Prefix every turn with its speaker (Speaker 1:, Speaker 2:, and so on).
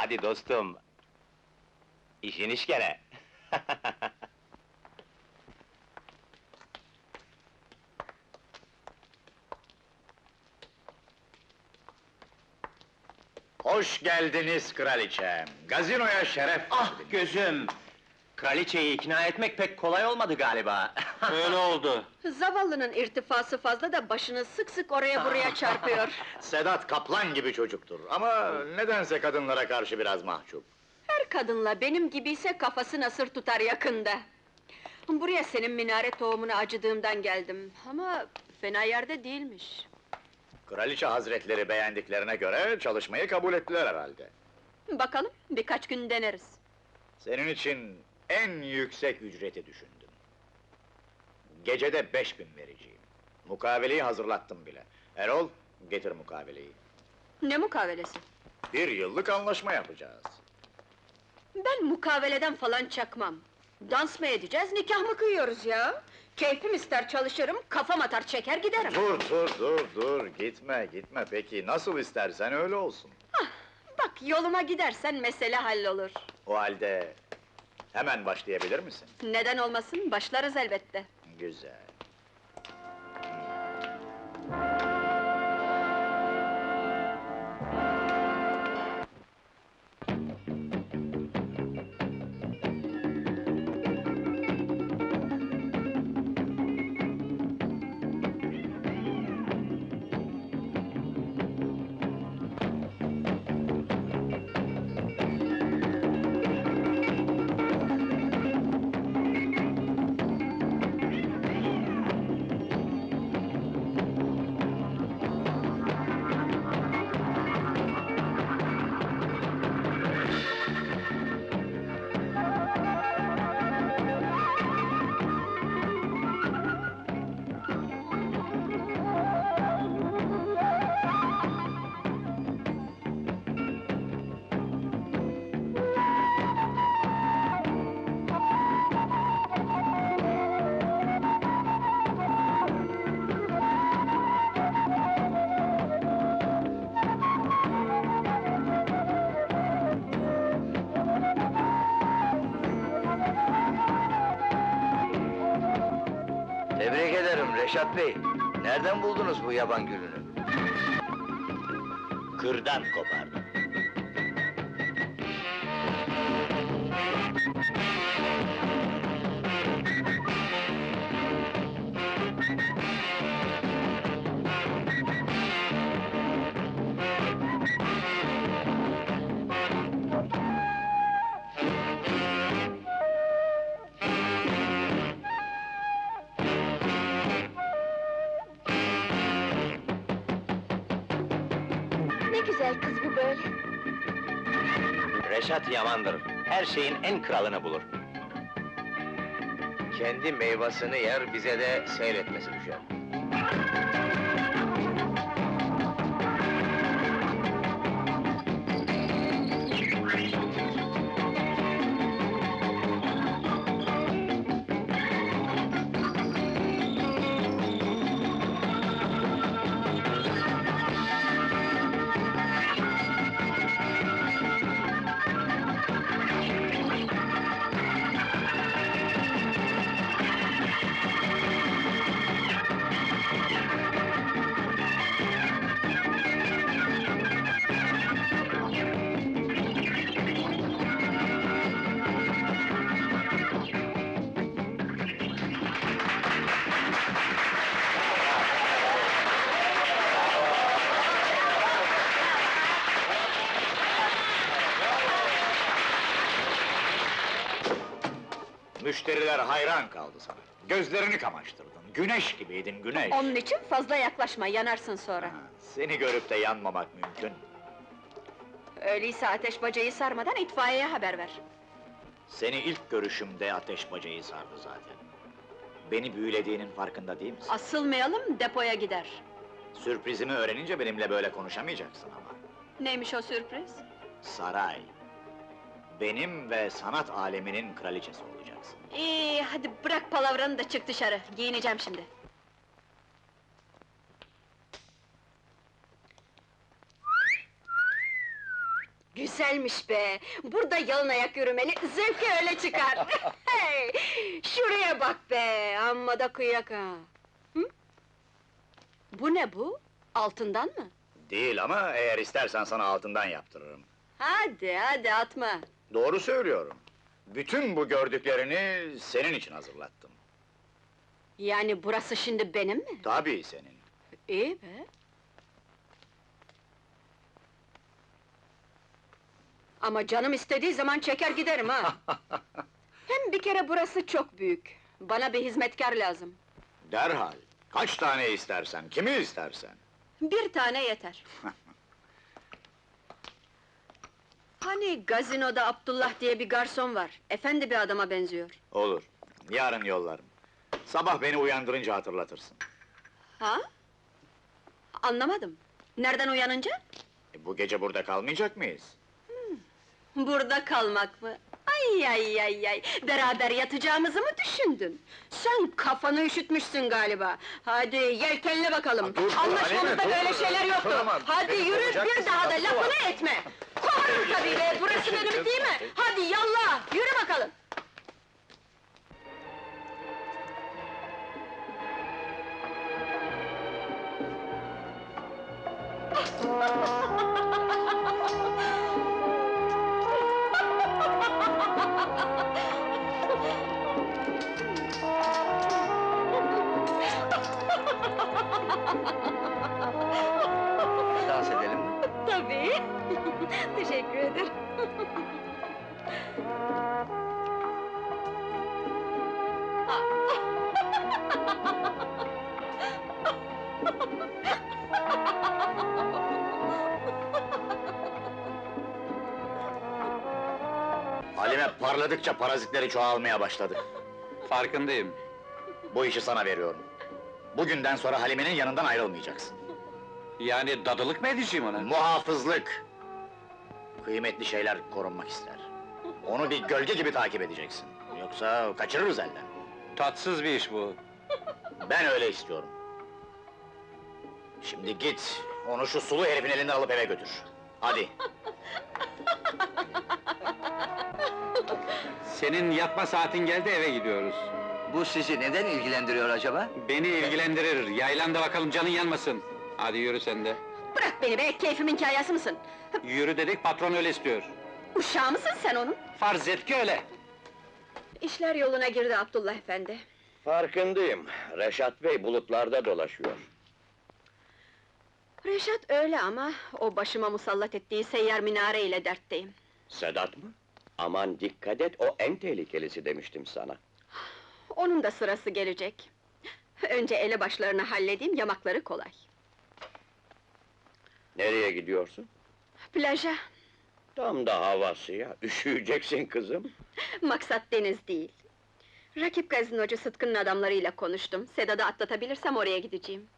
Speaker 1: Hadi dostum! İşin iş gene!
Speaker 2: Hoş geldiniz kraliçem! Gazinoya şeref
Speaker 1: Ah
Speaker 2: verdiniz.
Speaker 1: gözüm! Kraliçeyi ikna etmek pek kolay olmadı galiba. Öyle oldu.
Speaker 3: Zavallının irtifası fazla da başını sık sık oraya buraya çarpıyor.
Speaker 2: Sedat kaplan gibi çocuktur ama nedense kadınlara karşı biraz mahcup.
Speaker 3: Her kadınla benim gibiyse kafası nasır tutar yakında. Buraya senin minare tohumuna acıdığımdan geldim ama fena yerde değilmiş.
Speaker 2: Kraliçe hazretleri beğendiklerine göre çalışmayı kabul ettiler herhalde.
Speaker 3: Bakalım, birkaç gün deneriz.
Speaker 2: Senin için en yüksek ücreti düşündüm. Gecede 5000 vereceğim. Mukaveleyi hazırlattım bile. Erol, getir mukaveleyi.
Speaker 3: Ne mukavelesi?
Speaker 2: 1 yıllık anlaşma yapacağız.
Speaker 3: Ben mukaveleden falan çakmam. Dans mı edeceğiz, nikah mı kıyıyoruz ya? Keyfim ister çalışırım, kafam atar çeker giderim.
Speaker 2: Dur, gitme. Peki, nasıl istersen öyle olsun.
Speaker 3: Bak, yoluma gidersen mesele hallolur.
Speaker 2: O halde, hemen başlayabilir misin?
Speaker 3: Neden olmasın, başlarız elbette.
Speaker 2: Güzel.
Speaker 4: Tebrik ederim Reşat Bey. Nereden buldunuz bu yaban gülünü?
Speaker 2: Kırdan kopardım.
Speaker 3: Ne güzel kız bu böyle.
Speaker 1: Reşat yamandır. Her şeyin en kralını bulur.
Speaker 4: Kendi meyvasını yer, bize de seyretmesi düşer.
Speaker 2: Müşteriler hayran kaldı sana. Gözlerini kamaştırdın, güneş gibiydin, güneş!
Speaker 3: Onun için fazla yaklaşma, yanarsın sonra.
Speaker 2: Ha, seni görüp de yanmamak mümkün.
Speaker 3: Öyleyse ateş bacayı sarmadan itfaiyeye haber ver.
Speaker 2: Seni ilk görüşümde ateş bacayı sardı zaten. Beni büyülediğinin farkında değil misin?
Speaker 3: Asılmayalım, depoya gider.
Speaker 2: Sürprizimi öğrenince benimle böyle konuşamayacaksın ama.
Speaker 3: Neymiş o sürpriz?
Speaker 2: Saray. Benim ve sanat aleminin kraliçesi olacaksın.
Speaker 3: İyi, hadi bırak palavranı da çık dışarı, giyineceğim şimdi. Güzelmiş be! Burada yalın ayak yürümeli, zevki öyle çıkar! Hey! Şuraya bak be! Amma da kıyak ha! Hı? Bu ne bu? Altından mı?
Speaker 2: Değil ama eğer istersen sana altından yaptırırım.
Speaker 3: Hadi atma!
Speaker 2: Doğru söylüyorum. Bütün bu gördüklerini senin için hazırlattım.
Speaker 3: Yani burası şimdi benim mi?
Speaker 2: Tabii senin.
Speaker 3: İyi be! Ama canım istediği zaman çeker giderim ha! Hem bir kere burası çok büyük. Bana bir hizmetkar lazım.
Speaker 2: Derhal. Kaç tane istersen, kimi istersen.
Speaker 3: Bir tane yeter. Hani gazinoda Abdullah diye bir garson var. Efendi bir adama benziyor.
Speaker 2: Olur. Yarın yollarım. Sabah beni uyandırınca hatırlatırsın.
Speaker 3: Ha? Anlamadım. Nereden uyanınca?
Speaker 2: Bu gece burada kalmayacak mıyız?
Speaker 3: Burada kalmak mı? Ay! Beraber yatacağımızı mı düşündün? Sen kafanı üşütmüşsün galiba. Hadi yelkenle bakalım.
Speaker 2: Dur,
Speaker 3: Anlaşmamızda
Speaker 2: Halime,
Speaker 3: böyle
Speaker 2: dur.
Speaker 3: şeyler yoktu.
Speaker 2: Tamam,
Speaker 3: Hadi
Speaker 2: beni
Speaker 3: yürü,
Speaker 2: kovacaksın,
Speaker 3: bir daha da
Speaker 2: haklı
Speaker 3: lafını etme. Kovarım tabii be, burası benim değil mi? Hadi yallah, yürü bakalım.
Speaker 4: Dans edelim mi?
Speaker 3: Tabii. Teşekkür ederim.
Speaker 2: Halime parladıkça parazitleri çoğalmaya başladı.
Speaker 1: Farkındayım.
Speaker 2: Bu işi sana veriyorum. Bugünden sonra Halime'nin yanından ayrılmayacaksın.
Speaker 1: Yani dadılık mı edeceğim ona?
Speaker 2: Muhafızlık! Kıymetli şeyler korunmak ister. Onu bir gölge gibi takip edeceksin. Yoksa kaçırırız elden.
Speaker 1: Tatsız bir iş bu.
Speaker 2: Ben öyle istiyorum. Şimdi git, onu şu sulu herifin elinden alıp eve götür. Hadi.
Speaker 1: Senin yatma saatin geldi, eve gidiyoruz.
Speaker 4: Bu sizi neden ilgilendiriyor acaba?
Speaker 1: Beni ilgilendirir, yaylan da bakalım canın yanmasın. Hadi yürü sen de.
Speaker 3: Bırak beni be, keyfimin kayası mısın?
Speaker 1: Yürü dedik, patron öyle istiyor.
Speaker 3: Uşağı mısın sen onun?
Speaker 1: Farz et ki öyle.
Speaker 3: İşler yoluna girdi Abdullah efendi.
Speaker 5: Farkındayım. Reşat Bey bulutlarda dolaşıyor.
Speaker 3: Reşat öyle ama, o başıma musallat ettiği seyyar minare ile dertteyim.
Speaker 5: Sedat mı? Aman dikkat et, o en tehlikelisi demiştim sana.
Speaker 3: Onun da sırası gelecek. Önce elebaşlarını halledeyim, yamakları kolay.
Speaker 5: Nereye gidiyorsun?
Speaker 3: Plaja,
Speaker 5: Tam da havası ya, üşüyeceksin kızım.
Speaker 3: maksat deniz değil. Rakip gazinocu Sıtkı'nın adamlarıyla konuştum. Sedat'ı atlatabilirsem oraya gideceğim.